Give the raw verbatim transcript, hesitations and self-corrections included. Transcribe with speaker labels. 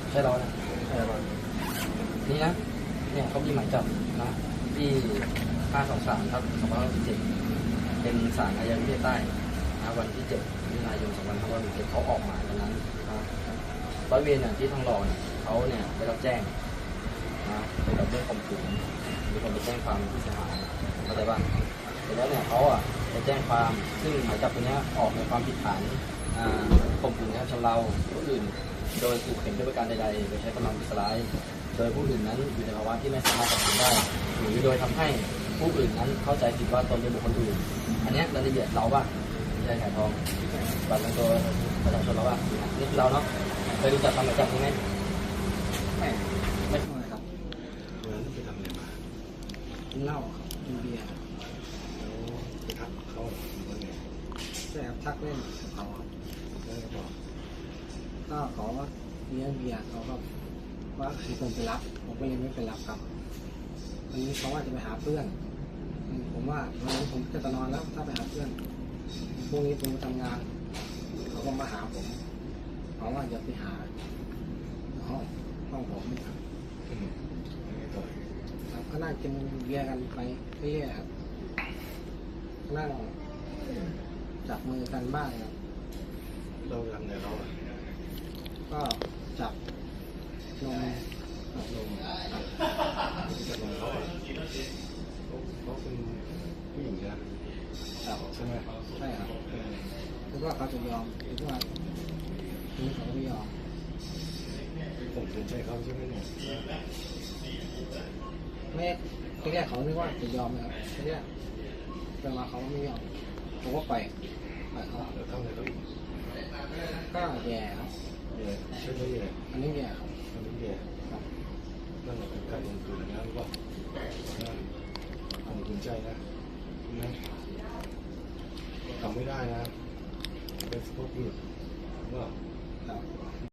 Speaker 1: ใช่เรานะใช่เรานี่นะเนี่ยเขามีหมายจับนะที่ห้าสองสามครับสองพันห้าร้อยสิบเจ็ดเป็นศาลอาญาประเทศใต้นะวันที่เจ็ดมิถุนายนสองพันห้าร้อยสิบเจ็ดเขาออกหมายวันนั้นนะร้อยเวรเนี่ยที่ทองหล่อเนี่ยเขาเนี่ยได้รับแจ้งนะเกี่ยวกับเรื่องข่มขืนมีคนไปแจ้งความที่เสียหายเข้าใจบ้างเสร็จแล้วเนี่ยเขาอ่ะไปแจ้งความซึ่งหมายจับตัวนี้ออกในความผิดฐานข่มขืนกระทำชำเราผู้อื่นโดยขู่เข็นด้วยประการใดๆโดยใช้กำลังประทุษร้ายโดยผู้อื่นนั้นอยู่ในภาวะที่ไม่สามารถตัดสินได้หรือโดยทำให้ผู้อื่นนั้นเข้าใจผิดว่าตนเป็นบุคคลอื่นอันนี้รายละเอียดเราป่ะไม่ใช่ขายทองบัตรประจำตัวประชาชนเราป่ะนี่คือเราเนาะเคยรู้จักคำหมายจับใช่ไหมไม่ไม่ใช่ครับ
Speaker 2: เมื่อนั้นไปทำอะไรมา
Speaker 1: กินเหล้าครับกินเบียร์
Speaker 2: แล้วไปทักเขาหรือว่าไง
Speaker 1: ใช่ครับทักเล่นเขาครับ
Speaker 2: แล้วก็บอก
Speaker 1: ก็ขอเลี้ยงเบียร์เขาก็ว่าคือผมไปรับผมก็เลยไม่ไปรับครับวันนี้เขาว่าจะไปหาเพื่อนผมว่าวันนั้นผมจะนอนแล้วถ้าไปหาเพื่อนพรุ่งนี้ผมทำงานเขาก็มาหาผมเขาว่าจะไปหาห้องห้องผมครับครับก็นั่งกินเบียร์กันไปเรื่อยๆครับนั่งจับมือกันบ้างครับ
Speaker 2: เราทำไงเราอ่ะ
Speaker 1: ก็จับนมจับนม
Speaker 2: จับนมเขาอ่ะเขาเป็นผู้หญิงนะใช่ไหม
Speaker 1: ใช่ครับหรือว่าเขาจะยอมหรือว่าทีนี้เขาไม่ยอม
Speaker 2: ผมสนใจเขาใช่ไหมเนี่ย
Speaker 1: ไม่ทีแรกเขาไม่ว่าจะยอมนะครับทีแรกแต่มาเขาไม่ยอมผมก็ปล่อยปล่อยเขา
Speaker 2: แล้วทำอะไรเขาอีก
Speaker 1: ก็แย่ครับ
Speaker 2: แย่ใช่ไหมแย่
Speaker 1: อันนี้แย่ครับ
Speaker 2: อันนี้แย่
Speaker 1: ครับ
Speaker 2: นั่นแหละเป็นการลงทุนนะหรือเปล่าผมสนใจนะนะทำไม่ได้นะเป็นสปอร์ตหยุดว่า